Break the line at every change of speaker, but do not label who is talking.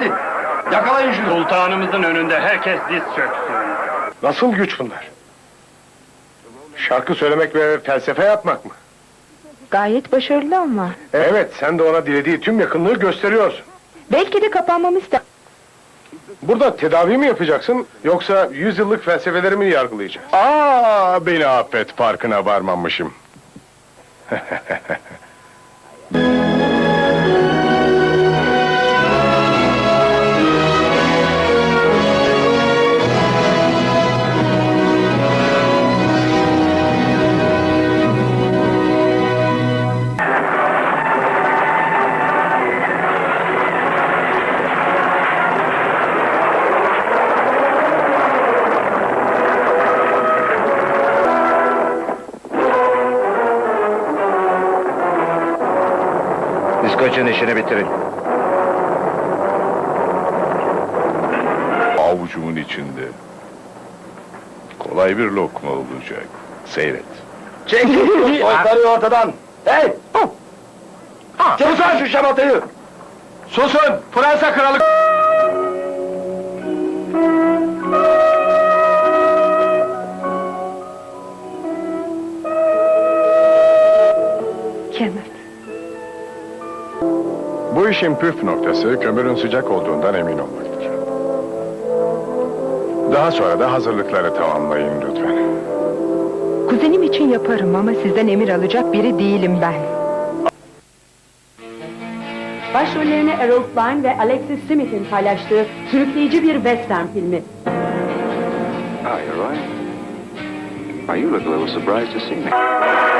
hadi! Yakalayın şunu!
Sultanımızın önünde herkes diz çöksün.
Nasıl güç bunlar? Şarkı söylemek ve felsefe yapmak mı?
Gayet başarılı ama.
Evet, sen de ona dilediği tüm yakınlığı gösteriyorsun.
Belki de kapanmamı ister.
Burada tedavi mi yapacaksın, yoksa 100 yıllık felsefeleri mi yargılayacağız? Beni affet, farkına varmamışım.
İskoç'un işini bitirin.
Avucumun içinde. Kolay bir lokma olacak. Seyret.
Çekil şu soytarıyı ortadan! Hey! Susun şu şamatayı!
Susun! Fransa kralı...
Kenneth.
Bu işin püf noktası, kömürün sıcak olduğundan emin olmaktır. Daha sonra da hazırlıkları tamamlayın lütfen.
Kuzenim için yaparım ama sizden emir alacak biri değilim ben.
Başrollerini Errol Flynn ve Alexis Smith'in paylaştığı sürükleyici bir western filmi.
Hi, Roy. You look a little surprised to see me.